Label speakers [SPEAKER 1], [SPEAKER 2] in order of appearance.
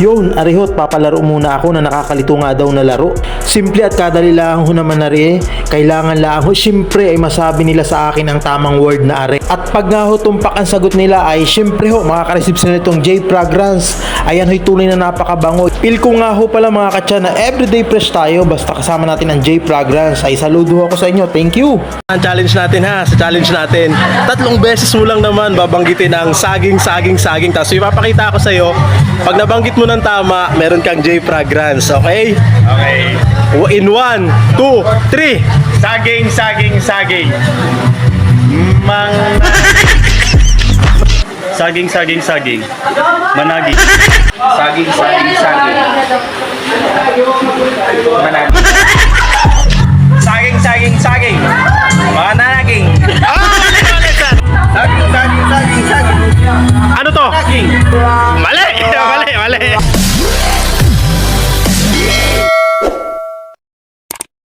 [SPEAKER 1] Yun, arihot, papalaro muna ako na nakakalito nga daw na laro. Simple at kadali lang ho naman na rin. Kailangan lang ho, syempre ay masabi nila sa akin ang tamang word na are. At pag nga ho tumpak ang sagot nila ay syempre ho, makakareceive sila nitong J Fragrance. Ayan ho'y tunay na napakabango. Feel ko nga ho pala mga katsa na everyday fresh tayo basta kasama natin ang J Fragrance. Ay saludo ako sa inyo, thank you.
[SPEAKER 2] Ang challenge natin ha, sa challenge natin, 3 beses mo lang naman babanggitin ang saging. Tapos ipapakita ko sa iyo, pag nabanggit mo ng tama, meron kang J Fragrance, okay?
[SPEAKER 3] Okay.
[SPEAKER 2] In 1, 2, 3.
[SPEAKER 3] Saging. Saging. Managi. Saging. Managi. Saging. Managing. Saging.
[SPEAKER 2] Ano to?
[SPEAKER 3] Saging.
[SPEAKER 2] Mali!